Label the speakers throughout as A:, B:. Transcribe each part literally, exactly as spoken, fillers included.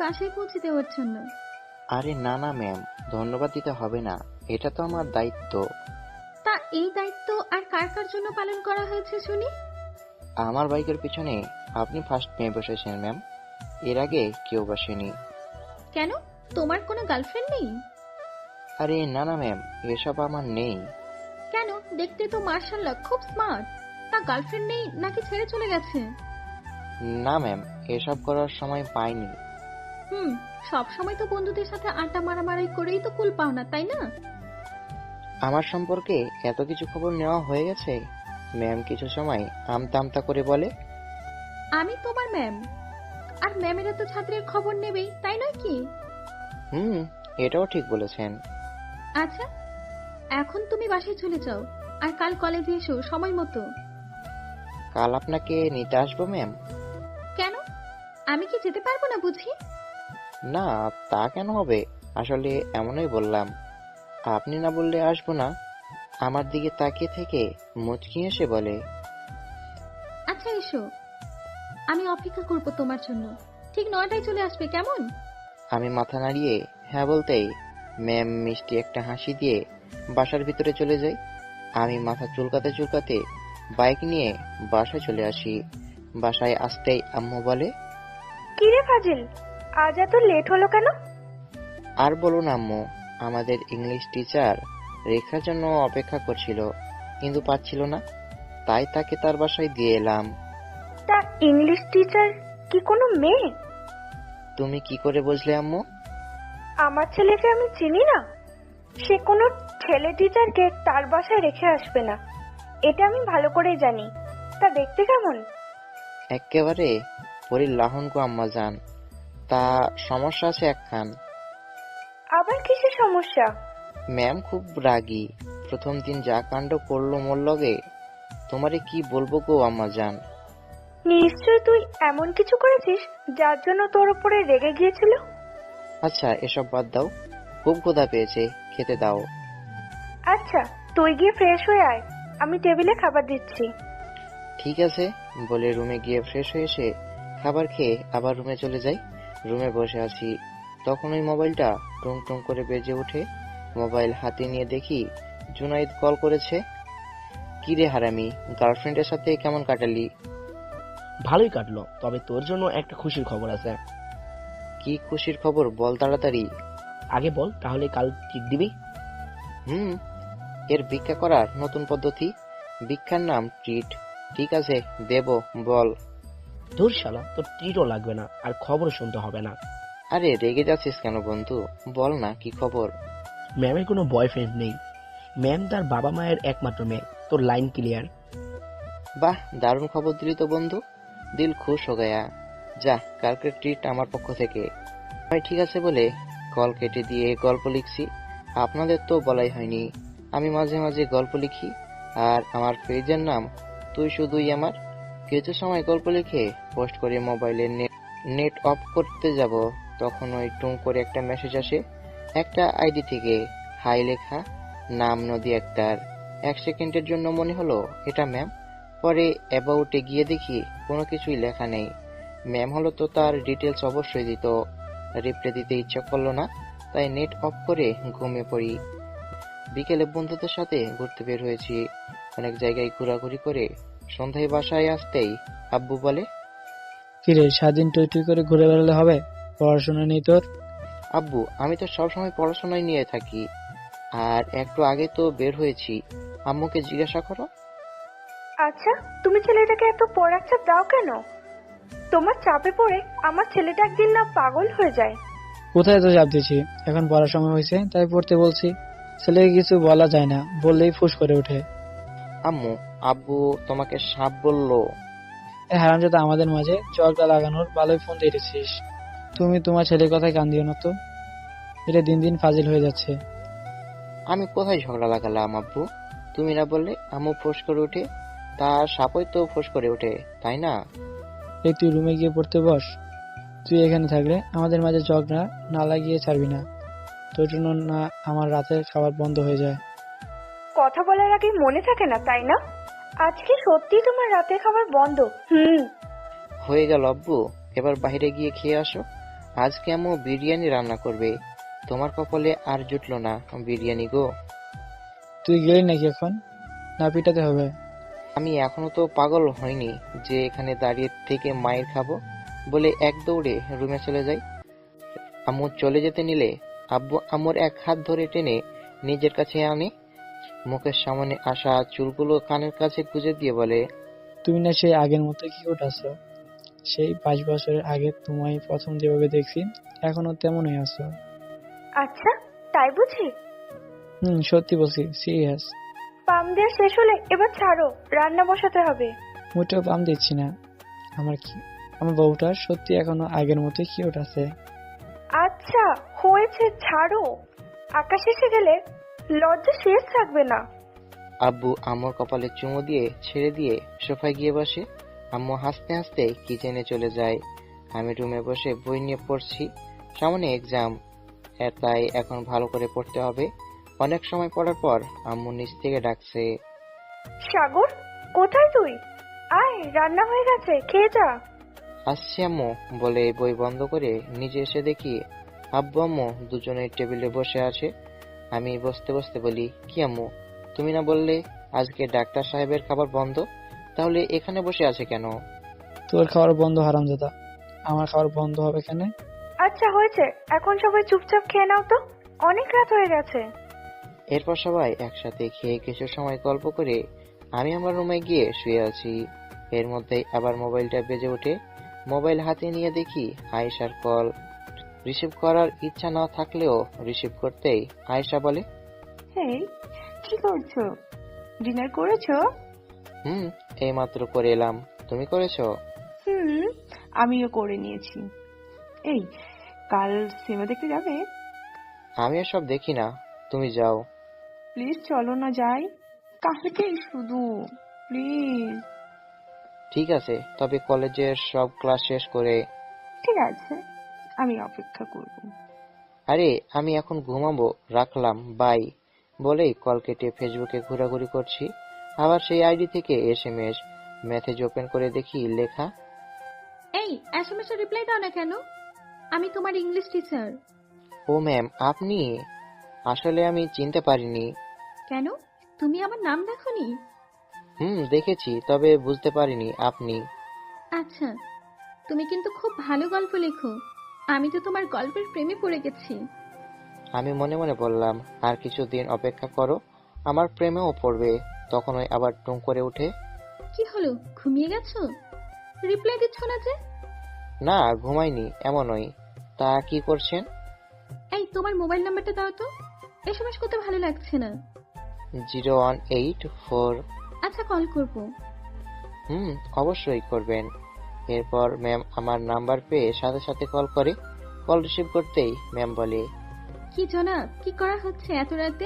A: বাসায় পৌঁছে দেওয়ার জন্য।
B: আরে না না ম্যাম, ধন্যবাদ দিতে হবে না, এটা তো আমার দায়িত্ব।
A: তা এই দায়িত্ব আর কার কার জন্য পালন করা হয়েছে শুনি?
B: আমার বাইকের পিছনে আপনি ফার্স্ট মেয়ে বসেছেন ম্যাম, এর আগে কেউ বসেনি।
A: কেন, তোমার কোনো গার্লফ্রেন্ড নেই?
B: আরে না না ম্যাম, এসব আমার নেই।
A: কেন, দেখতে তো মার্শাল্লাহ খুব স্মার্ট। তা গার্লফ্রেন্ড নেই নাকি ছেড়ে চলে গেছে?
B: না ম্যাম, এসব করার সময় পাইনি।
A: হুম, সব সময় তো বন্ধুদের সাথে আড্ডা মারামারি করেই তো কুল পাও না, তাই না?
B: আমার সম্পর্কে এত কিছু খবর নেওয়া হয়ে গেছে? ম্যাম কিছু সময় আমতা আমতা করে বলে।
A: আমি তোমার ম্যাম, আর ম্যামেরা তো ছাত্রের খবর নেবেই, তাই নয় কি?
B: হুম, এটাও ঠিক বলেছেন।
A: আচ্ছা, এখন তুমি বাসায় চলে যাও, আর কাল কলেজে এসো সময় মতো।
B: কাল আপনাকে নিতে আসবো ম্যাম?
A: কেন, আমি কি যেতে পারবো না বুঝি?
B: না, তা কেন হবে, আসলে এমনই বললাম। আপনি না বললে আসবো না। আমার দিকে তাকিয়ে থেকে মুচকি এসে বলে।
A: আচ্ছা এসো, আমি অপেক্ষা করবো তোমার জন্য। ঠিক নয়টায় চলে আসবে, কেমন?
B: আমি মাথা নাড়িয়ে হ্যাঁ বলতেই ম্যাম মিষ্টি একটা হাসি দিয়ে বাসার ভিতরে চলে যায়। আমি মাথা চুলকাতে চুলকাতে বাইক নিয়ে বাসায় চলে আসি। বাসায় আসতেই আম্মু বলে,
C: কিরে ফাজিল, আজ এত লেট হলো কেন?
B: আর বলুন আম্মু, আমাদের ইংলিশ টিচার রেখার জন্য অপেক্ষা করছিল, কিন্তু পাচ্ছিল না, তাই তাকে তার বাসায় দিয়ে এলাম।
C: তা ইংলিশ টিচার কি কোনো মেয়ে?
B: তুমি কি করে বুঝলে আম্মু?
C: আমার ছেলেকে আমি চিনি না। সে কোনো ছেলে টিচারকে তার বাসায় রেখে আসবে না, এটা আমি ভালো করেই জানি। তা দেখতে কেমন?
B: একেবারে পরীর লাহন গো আম্মা জান। তা সমস্যা আছে একখান।
C: আবার কিসের সমস্যা?
B: ম্যাম খুব রাগী, প্রথম দিন যা কাণ্ড করলো মোর লগে, তোমারে কি বলবো গো আম্মা জান।
C: নিশ্চয় তুই এমন কিছু করেছিস যার জন্য তোর উপরে রেগে গিয়েছিল।
B: আচ্ছা এসব বাদ দাও, খুব ক্ষুধা পেয়েছে, খেতে দাও।
C: আচ্ছা, তুই গিয়ে ফ্রেশ হয়ে আয়, আমি টেবিলে খাবার দিচ্ছি।
B: ঠিক আছে বলে রুমে গিয়ে ফ্রেশ হয়ে এসে খাবার খেয়ে আবার রুমে চলে যাই। রুমে বসে আছি, তখন ওই মোবাইলটা টুং টুং করে বেজে ওঠে। মোবাইল হাতে নিয়ে দেখি জুনাইদ কল করেছে। কি রে হারামি, গার্লফ্রেন্ডের সাথে কেমন কাটালি?
D: ভালোই কাটলো, তবে তোর জন্য একটা খুশির খবর আছে।
B: কি খুশির খবর বল তাড়াতাড়ি।
D: আগে বল, তাহলে কাল ঠিক দিবি।
B: হুম, এর ভিক্ষা করার নতুন পদ্ধতি, ভিক্ষার নাম ট্রিট। ঠিক আছে দেব, বল।
D: ধুর শালা, তোর ট্রিটও লাগবে না, আর খবর শুনতে হবে না।
B: আরে রেগে যাচ্ছিস কেন বন্ধু, বল না কি খবর।
D: ম্যামের কোনো বয়ফ্রেন্ড নেই, ম্যাম তার বাবা মায়ের একমাত্র মেয়ে। তোর লাইন ক্লিয়ার।
B: বাহ, দারুণ খবর দিলি তো বন্ধু, দিল খুশ হো গয়া। যা, কালকে ট্রিট আমার পক্ষ থেকে। ভাই ঠিক আছে বলে কল কেটে দিয়ে গল্প লিখছি। আপনাদের তো বলাই হয়নি, আমি মাঝে মাঝে গল্প লিখি, আর আমার পেজের নাম তুই শুধুই আমার। কিছু সময় গল্প লিখে পোস্ট করে মোবাইলের নেট নেট অফ করতে যাব, তখন ওই টুং করে একটা মেসেজ আসে একটা আইডি থেকে। হাই লেখা, নাম নদী আক্তার। এক সেকেন্ডের জন্য মনে হলো এটা ম্যাম, পরে অ্যাবাউটে গিয়ে দেখি কোনো কিছুই লেখা নেই। ম্যাম হলো তো তার ডিটেলস অবশ্যই দিত, রিপ্লাই দিতে ইচ্ছা করলো না, তাই নেট অফ করে ঘুমিয়ে পড়ি। বিকেলে বন্ধুদের সাথে ঘুরতে বের হয়েছি, অনেক জায়গায় ঘোরাঘুরি করে সন্ধ্যায় বাসায় আসতেই আব্বু বলে,
E: কিরে সারাদিন টুই টুই করে ঘুরে বেড়ালে হবে? পড়াশোনা নেই তোর?
B: আব্বু আমি তো সবসময় পড়াশোনায় নিয়ে থাকি, আর একটু আগে তো বের হয়েছি, আম্মুকে জিজ্ঞাসা করো।
C: আচ্ছা, তুমি ছেলেটাকে এত পড়ার চাপ দাও কেন? তোমার চাপে পড়ে আমার ছেলেটা একদিন না পাগল হয়ে যায়।
E: কোথায় তো চাপ দিছি, এখন পড়ার সময় হয়েছে তাই পড়তে বলছি। ছেলেকে কিছু বলা যায় না, বললেই ফুস করে ওঠে।
B: আম্মু, আব্বু তোমাকে সাপ বললো।
E: এই হারামজাদা আমাদের মাঝে ঝগড়া লাগানোর ভালোই ফোন দিয়েছিস। তুমি তোমার ছেলের কথায় কান দিও না তো, এটা দিন দিন ফাজিল হয়ে যাচ্ছে।
B: আমি কোথায় ঝগড়া লাগালাম আব্বু, তুমি না বললে আম্মু ফোঁস করে ওঠে, তার সাপই তো ফোঁস করে ওঠে, তাই না?
E: এই তুই রুমে গিয়ে পড়তে বস, তুই এখানে থাকলে আমাদের মাঝে ঝগড়া না লাগিয়ে ছাড়বি না, তোর জন্য না আমার রাতের খাবার বন্ধ হয়ে যায়।
C: কথা বলার আগে মনে থাকে না, তাই না? আজকে সত্যি তোমার রাতের খাবার বন্ধ। হুম
B: হয়ে গেল আব্বু, এবার বাইরে গিয়ে খেয়ে আসো, আজকে আম্মু বিরিয়ানি রান্না করবে। তোমার কপালে আর জুটলো না বিরিয়ানি গো।
E: তুই গেলি নাকি এখন? না পিটাতে হবে?
B: আমি এখনো তো পাগল হইনি যে এখানে দাঁড়িয়ে থেকে মায়ের খাবো বলে এক দৌড়ে রুমে চলে যাই। আম্মু চলে যেতে নিলে আব্বু আম্মুর এক হাত ধরে টেনে নিজের কাছে আনে, মুখের সামনে আসা চুলগুলো কানের কাছে গুজে দিয়ে বলে,
E: তুমি না সেই আগের মতো কিউট আছো। সেই পাঁচ বছরের আগে তোমায় প্রথম যেভাবে দেখছি এখনো তেমনই আছো।
C: আচ্ছা, তাই বুঝি?
E: হুম, সত্যি বলছি, সিরিয়াস।
C: পাম দেওয়া শেষ হলে এবার ছাড়ো, রান্না বসাতে হবে।
E: মোটেও পাম দিচ্ছি না। আমার কি আমার বউটা সত্যি এখনো আগের মতোই কিউট আছে।
C: আচ্ছা হয়েছে, ছাড়ো। আকাশ এসে গেলে লজ্জা শেষ থাকবে না।
B: আব্বু আম্মুর কপালে চুমু দিয়ে ছেড়ে দিয়ে সোফায় গিয়ে বসে। আম্মু হাসতে হাসতে কিচেনে চলে যায়। আমি রুমে বসে বই নিয়ে পড়ছি। সামনে এক্সাম, তাই এখন ভালো করে পড়তে হবে। অনেক সময় পড়ার পর আম্মু নিচ থেকে ডাকছে,
C: সাগর, কোথায় তুই? আয়, রান্না হয়ে গেছে, খেয়ে যা।
B: আসছি আম্মু বলে বই বন্ধ করে নিচে এসে দেখি আব্বু আম্মু দুজনের টেবিলে বসে আছে। আমি বসতে বসতে বলি, কি আম্মু, তুমি না বললে আজকে ডাক্তার সাহেবের খাবার বন্ধ, তাহলে এখানে বসে আছে কেন?
E: তোর খাওয়ার বন্ধ হারামজাদা, আমার খাওয়ার বন্ধ হবে কেন?
C: আচ্ছা হয়েছে, এখন সবাই চুপচাপ খেয়ে নাও তো, অনেক রাত হয়ে গেছে।
B: এরপর সবাই একসাথে খেয়ে কিছু সময় গল্প করে আমি আমার রুমে গিয়ে শুয়ে আছি। এর মধ্যেই আবার মোবাইলটা বেজে ওঠে। মোবাইল হাতে নিয়ে দেখি আয়েশার কল। রিসিভ করার ইচ্ছা না থাকলেও রিসিভ করতেই আয়েশা বলে,
F: হেই, কি করছো? ডিনার করেছো?
B: হুম, এইমাত্র করে এলাম। তুমি করেছো?
F: হুম, আমিও করে নিয়েছি। এই, কাল সিনেমা দেখতে যাবে?
B: আমি এসব দেখি না, তুমি যাও।
F: প্লিজ চলো না, যাই। কালকেই শুধু, প্লিজ।
B: ঠিক আছে, তবে কলেজের সব ক্লাস শেষ করে।
F: ঠিক আছে, আমি অপেক্ষা করব।
B: আরে আমি এখন ঘুমাবো, রাখলাম, বাই বলেই কল কেটে ফেসবুকে ঘোরাঘুরি করছি। আবার সেই আইডি থেকে এসএমএস। মেসেজ ওপেন করে দেখি লেখা,
A: এই এসএমএস এর রিপ্লাই দাও না কেন? আমি তোমার ইংলিশ টিচার।
B: ও ম্যাম, আপনি? আসলে আমি চিনতে পারিনি।
A: কেন, তুমি আমার নাম দেখোনি?
B: হুম, দেখেছি, তবে বুঝতে পারিনি আপনি।
A: আচ্ছা, তুমি কিন্তু খুব ভালো গল্প লেখো। আমি তো তোমার গল্পের প্রেমে পড়ে গেছি।
B: আমি মনে মনে বললাম, আর কিছুদিন অপেক্ষা করো, আমার প্রেমেও পড়বে। তখনই আবার টুং করে উঠে,
A: কি হলো, ঘুমিয়ে গেছো? রিপ্লাই দিচ্ছ না যে?
B: না, ঘুমাইনি এমনই। তা কি করছেন?
A: এই তোমার মোবাইল নাম্বারটা দাও তো, এসএমএস করতে ভালো লাগছে না।
B: Zero one eight four.
A: আচ্ছা, কল করব।
B: হুম, অবশ্যই করবেন। এরপর ম্যাম আমার নাম্বার পেয়ে সাথে সাথে কল করে। কল রিসিভ করতেই ম্যাম বলে,
A: কি জনাব, কি করা হচ্ছে এত রাতে?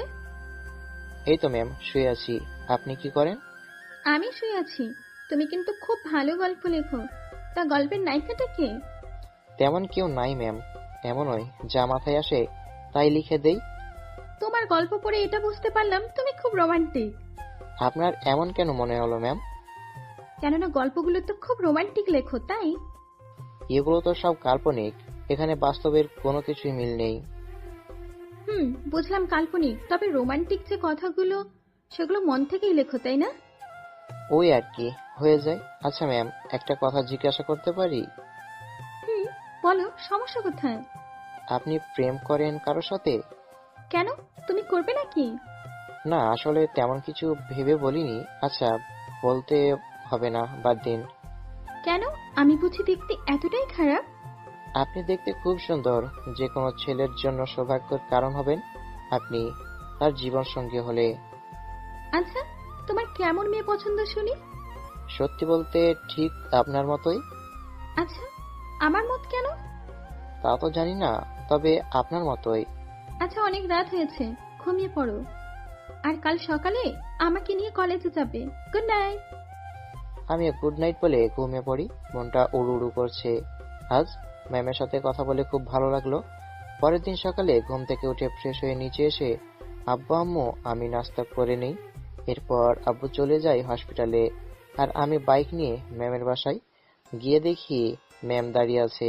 B: এই তো ম্যাম, শুয়ে আছি। আপনি কি করেন?
A: আমি শুয়ে আছি। তুমি কিন্তু খুব ভালো গল্প লেখো। তা গল্পের নায়িকাটা কে?
B: তেমন কেউ নাই ম্যাম, এমনই যা মাথায় আসে তাই লিখে দেই।
A: তোমার গল্প পড়ে এটা বুঝতে পারলাম তুমি খুব রোমান্টিক।
B: আপনার এমন কেন মনে হলো ম্যাম?
A: কেননা গল্পগুলো তো খুব রোমান্টিক লেখো, তাই।
B: এগুলো তো সব কাল্পনিক, এখানে বাস্তবের কোনো কিছুই মিল নেই।
A: হুম, বুঝলাম কাল্পনিক, তবে রোমান্টিক যে কথাগুলো সেগুলো মন থেকেই লেখো, তাই না?
B: ওই আর কি, হয়ে যায়। আচ্ছা ম্যাম, একটা কথা জিজ্ঞাসা করতে পারি?
A: হুম, বলো, সমস্যা কোথায়?
B: আপনি প্রেম করেন কারোর সাথে?
A: কেন, তুমি করবে নাকি?
B: না, আসলে তেমন কিছু ভেবে বলিনি। আচ্ছা, বলতে হবে না, বাদ দিন।
A: কেন, আমি বুঝি দেখতে এতটাই খারাপ?
B: আপনি দেখতে খুব সুন্দর, যে কোনো ছেলের জন্য সৌভাগ্যের কারণ হবেন আপনি, তার জীবন সঙ্গী হলে।
A: আচ্ছা, তোমার কেমন মেয়ে পছন্দ শুনি?
B: সত্যি বলতে ঠিক আপনার মতোই।
A: আচ্ছা, আমার মত কেন?
B: তা তো জানি না, তবে আপনার মতোই।
A: আচ্ছা, অনেক রাত হয়েছে, ঘুমিয়ে পড়ো। আর কাল সকালে আমাকে নিয়ে কলেজে যাবে। Good night.
B: আমি গুড নাইট বলে ঘুমিয়ে পড়ি। মনটা উড়ু উড়ু করছে। আজ ম্যামের সাথে কথা বলে খুব ভালো লাগলো। পরের দিন সকালে ঘুম থেকে উঠে ফ্রেশ হয়ে নিচে এসে আব্বু আম্মু আমি নাস্তা করে নেই। এরপর আব্বু চলে যায় হসপিটালে, আর আমি বাইক নিয়ে ম্যামের বাসায় গিয়ে দেখি ম্যাম দাঁড়িয়ে আছে।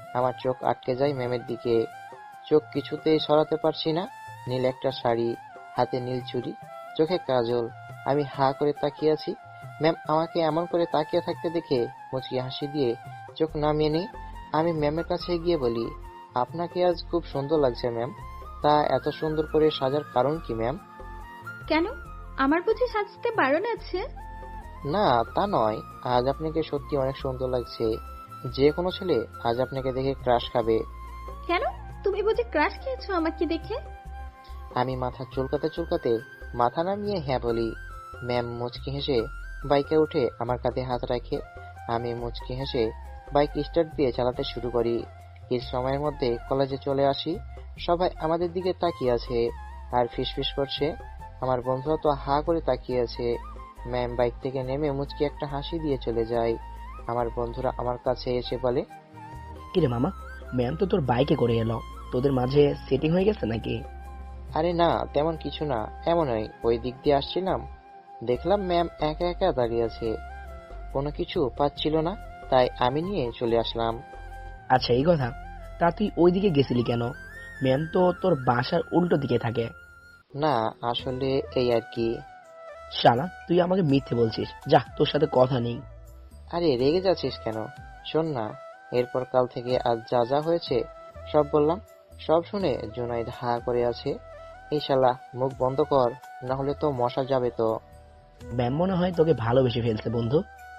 B: আমার চোখ আটকে যায় ম্যামের দিকে। চোখ কিছুতেই সরাতে পারছি না। নীল একটা শাড়ি, হাতে নীল চুড়ি, চোখে কাজল। আমি হা করে তাকিয়ে আছি। ম্যাম আমাকে এমন করে তাকিয়ে থাকতে দেখে মুচকি হাসি দিয়ে চোখ নামিয়ে নেই। আমি ম্যামের কাছে গিয়ে বলি, আপনাকে আজ খুব সুন্দর লাগছে ম্যাম। তা এত সুন্দর করে সাজার কারণ কি ম্যাম?
A: কেন, আমার বুঝি সাজতে বারণ আছে?
B: না তা নয়, আজ আপনাকে সত্যি অনেক সুন্দর লাগছে। যে কোনো ছেলে আজ আপনাকে দেখে ক্রাশ খাবে।
A: কেন, তুমি বুঝি ক্রাশ খেয়েছো আমাকে দেখে?
B: আমি মাথা চুলকাতে চুলকাতে মাথা নামিয়ে হ্যাঁ বলি। ম্যাম মুচকি হেসে বাইকে উঠে আমার কাঁধে হাত রাখে। আমি মুচকি হেসে বাইক স্টার্ট দিয়ে চালাতে শুরু করি। কিছু সময়ের মধ্যে কলেজে চলে আসি। সবাই আমাদের দিকে তাকিয়ে আছে আর ফিসফিস করছে। আমার বন্ধুরা তো হা করে তাকিয়ে আছে। ম্যাম বাইক থেকে নেমে মুচকি একটা হাসি দিয়ে চলে যায়। আমার বন্ধুরা আমার কাছে এসে বলে,
D: কিরে মামা, ম্যাম তো তোর বাইকে করে এলো, তোদের মাঝে সেটিং হয়ে গেছে নাকি?
B: আরে না তেমন কিছু না, এমনই ওই দিক দিয়ে আসছিলাম, দেখলাম ম্যাম একা একা দাঁড়িয়ে আছে, কোনো কিছু পাচ্ছিল না, তাই আমি নিয়ে চলে আসলাম।
D: আচ্ছা এই কথা, তা তুই ওইদিকে গেছিলি কেন? ম্যাম তো তোর বাসার উল্টো দিকে থাকে।
B: না আসলে এই আর কি।
D: শালা তুই আমাকে মিথ্যে বলছিস, যা তোর সাথে কথা নেই।
B: আরে রেগে যাচ্ছিস কেন? শোন না, এরপর কাল থেকে আজ যা যা হয়েছে সব বললাম। সব শুনে জুনাইদ হা করে আছে। এই শালা মুখ বন্ধ কর, না হলে তো মশা যাবে তো।
D: ম্যাম মনে হয় তোকে ভালোবেসে ফেলছে বন্ধু।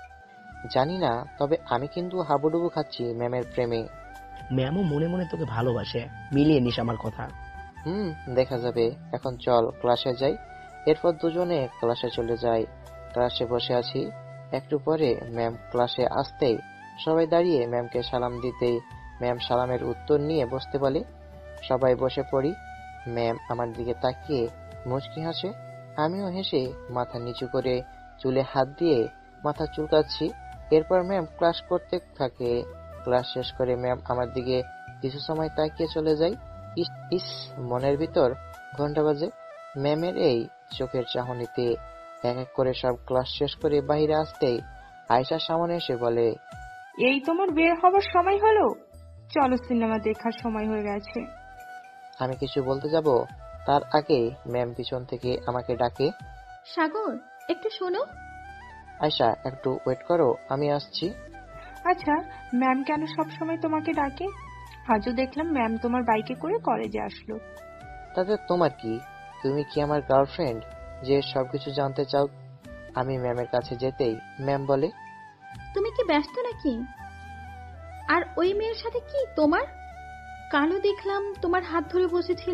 B: জানি না, তবে আমি কিন্তু হাবুডুবু খাচ্ছি ম্যামের প্রেমে।
D: ম্যামও মনে মনে তোকে ভালোবাসে, মিলিয়ে নিস আমার কথা।
B: হুম দেখা যাবে। এখন চল ক্লাসে যাই। এরপর দুজনে ক্লাসে চলে যাই। ক্লাসে বসে আছি। একটু পরে ম্যাম ক্লাসে আসতেই সবাই দাঁড়িয়ে ম্যামকে সালাম দিতেই ম্যাম সালামের উত্তর নিয়ে বসতে বলে। সবাই বসে পড়ি। ম্যাম আমার দিকে তাকিয়ে মুচকি হাসে। আমিও হেসে মাথা নিচু করে চুলে হাত দিয়ে মাথা চুলকাচ্ছি। এরপর ম্যাম ক্লাস করতে থাকে। ক্লাস শেষ করে ম্যাম আমার দিকে কিছু সময় তাকিয়ে চলে যায়। ইস ইস মনের ভিতর ঘন্টা বাজে ম্যামের এই চোখের চাহনিতে। এক এক করে সব ক্লাস শেষ করে বাইরে আসতেই আয়শা সামনে এসে বলে,
F: এই তোমার বের হবার সময় হলো? চলো, সিনেমা দেখার সময় হয়ে গেছে।
B: আমি কিছু বলতে যাব, তার আগে ম্যাম পিছন থেকে আমাকে ডাকে,
A: সাগর, একটু শোনো।
B: আয়শা একটু ওয়েট করো, আমি আসছি।
F: আচ্ছা, ম্যাম কেন সব সময় তোমাকে ডাকে? আজও দেখলাম ম্যাম তোমার বাইকে করে কলেজে আসলো।
B: তাতে তোমার কি? তুমি কি আমার গার্লফ্রেন্ড যে সবকিছু জানতে চাও? আমি ম্যামের কাছে যেতেই ম্যাম বলে,
A: তুমি কি ব্যস্ত নাকি? আর ওই মেয়ের সাথে কি তোমার? কালো দেখলাম তোমার হাত ধরে বসেছিল।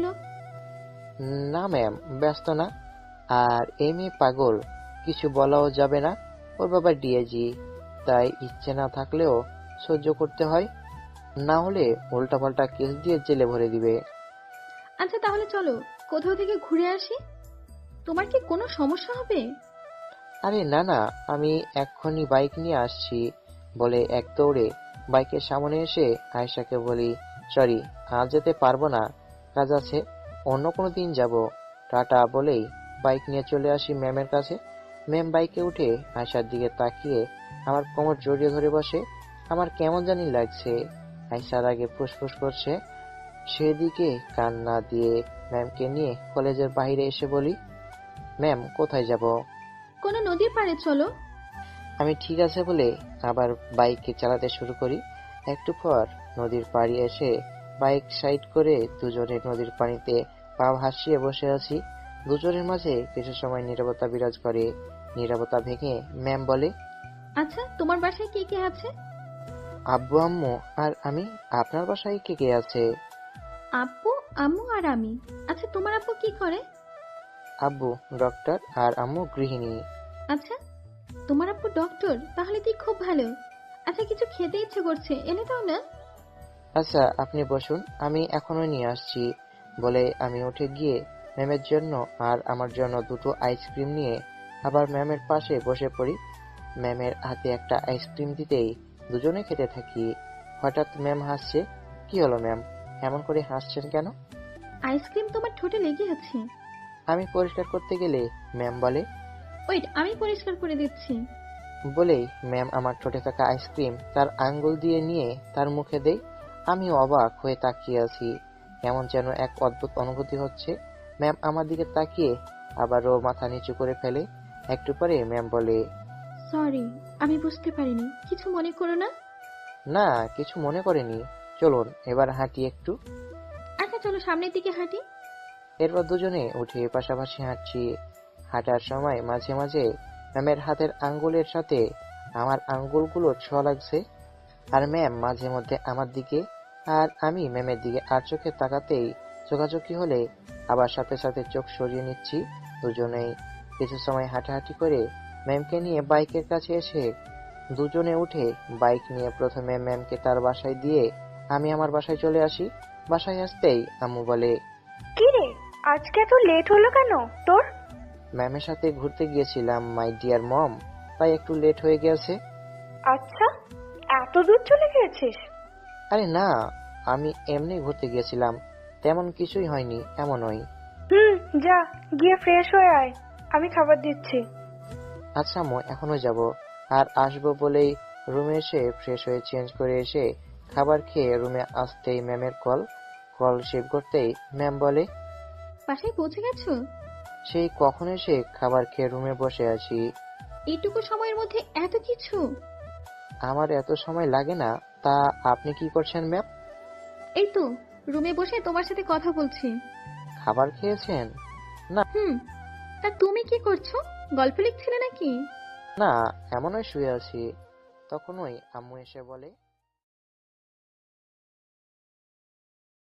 B: না ম্যাম ব্যস্ত না। আর এই মেয়ে পাগল, কিছু বলাও যাবে না। ওর বাবা ডিআইজি, তাই ইচ্ছে না থাকলেও সহ্য করতে হয়, না হলে উল্টাপাল্টা কেস দিয়ে জেলে ভরে দিবে।
A: আচ্ছা তাহলে চলো কোথাও থেকে ঘুরে আসি। তোমার কি কোনো সমস্যা হবে?
B: আরে না না, আমি এক্ষুনি বাইক নিয়ে আসছি বলে এক দৌড়ে বাইকের সামনে এসে আয়েশাকে বলি, সরি আজ যেতে পারবো না, কাজ আছে, অন্য কোনো দিন যাব, টাটা বলেই বাইক নিয়ে চলে আসি ম্যামের কাছে। ম্যাম বাইকে উঠে আয়েশার দিকে তাকিয়ে আমার কোমর জড়িয়ে ধরে বসে। আমার কেমন জানি লাগছে। আয়েশার আগে ফুসফুস করছে, সেদিকে কান না দিয়ে ম্যামকে নিয়ে কলেজের বাইরে এসে বলি, ম্যাম কোথায় যাব?
A: কোনো নদীর পাড়ে চলো।
B: আমি ঠিক আছে বলে আবার বাইকে চালাতে শুরু করি। একটু পর নদীর পাড়ে এসে বাইক সাইড করে দুজনে নদীর পানিতে পা ভাসিয়ে বসে আছি। দুজনের মাঝে কিছু সময় নীরবতা বিরাজ করে। নীরবতা ভেঙে ম্যাম বলে,
A: আচ্ছা তোমার বাসায় কে কে আছে?
B: আব্বু আম্মু আর আমি। আপনার বাসায় কে কে আছে?
A: আব্বু, আম্মু আর আমি। আচ্ছা তোমার আব্বু কি করে?
B: আব্বু ডক্টর আর আম্মু গৃহিণী।
A: আচ্ছা তোমার আব্বু ডক্টর, তাহলে তুই খুব ভালো। আচ্ছা কিছু খেতে ইচ্ছে করছে, এনে দাও না।
B: আচ্ছা আপনি বসুন, আমি এখনই নিয়ে আসছি বলে আমি উঠে গিয়ে ম্যামের জন্য আর আমার জন্য দুটো আইসক্রিম নিয়ে আবার ম্যামের পাশে বসে পড়ি। ম্যামের হাতে একটা আইসক্রিম দিতেই দুজনে খেতে থাকি। হঠাৎ ম্যাম হাসছে। কি হলো ম্যাম, এমন করে হাসছেন কেন?
A: আইসক্রিম তোমার ঠোঁটে লেগে আছে।
B: আমি পরিষ্কার করতে গেলে ম্যাম বলে,
A: ওয়েট, আমি পরিষ্কার করে দিচ্ছি।
B: বলেই ম্যাম আমার ঠোঁটে থাকা আইসক্রিম তার আঙ্গুল দিয়ে নিয়ে তার মুখে দেয়। আমি অবাক হয়ে তাকিয়ে আছি। কেমন যেন এক অদ্ভুত অনুভূতি হচ্ছে। ম্যাম আমার দিকে তাকিয়ে আবারও মাথা নিচু করে ফেলে। একটু পরে ম্যাম বলে,
A: সরি, আমি বুঝতে পারিনি, কিছু মনে করো না।
B: না কিছু মনে করেনি, চলুন এবার হাঁটি একটু।
A: আচ্ছা চলো সামনের দিকে হাঁটি।
B: এরপর দুজনে উঠে পাশাপাশি হাঁটছি। হাঁটার সময় মাঝে মাঝে ম্যামের হাতের আঙ্গুলের সাথে আমার আঙ্গুলগুলো ছোঁয়া লাগছে, আর ম্যাম মাঝে মধ্যে আমার দিকে আর আমি ম্যামের দিকে আর চোখে তাকাতেই চোখাচোখি হলে আবার সাথে সাথে চোখ সরিয়ে নিচ্ছি। দুজনেই কিছু সময় হাঁটাহাঁটি করে ম্যামকে নিয়ে বাইকের কাছে এসে দুজনে উঠে বাইক নিয়ে প্রথমে ম্যামকে তার বাসায় দিয়ে আমি আমার বাসায় চলে আসি। বাসায় আসতেই আম্মু বলে,
C: কি রে, আজকে এত লেট হলো কেন তোর?
B: ম্যামের সাথে ঘুরতে গিয়েছিলাম মাই ডিয়ার মম, তাই একটু লেট হয়ে গেছে।
C: আচ্ছা, এত দূর চলে গিয়েছিস?
B: আরে না, আমি এমনি ঘুরতে গিয়েছিলাম, তেমন কিছুই হয়নি এমনই।
C: হুম, যা গিয়ে ফ্রেশ হয়ে আয়, আমি খাবার দিচ্ছি।
B: আচ্ছা আম্মু, এখনো যাব, আর আসবো বলেই রুমে এসে ফ্রেশ হয়ে চেঞ্জ করে এসে খাবার খেয়ে রুমে আসতেই ম্যামের কল কল রিসিভ করতেই ম্যাম বলে,
A: বাসায় পৌঁছে গেছো?
B: সেই কখন এসে খাবার খেয়ে রুমে বসে আছি।
A: এইটুকু সময়ের মধ্যে এত কিছু?
B: আমার এত সময় লাগে না। তা আপনি কি করছেন ম্যাম?
A: এই তো রুমে বসে তোমার সাথে কথা বলছি।
B: খাবার খেয়েছেন?
A: হুম, তা তুমি কি করছো? গল্প লিখছিলে নাকি?
B: না, এমনই শুয়ে আছি। তখনই আম্মু এসে বলে,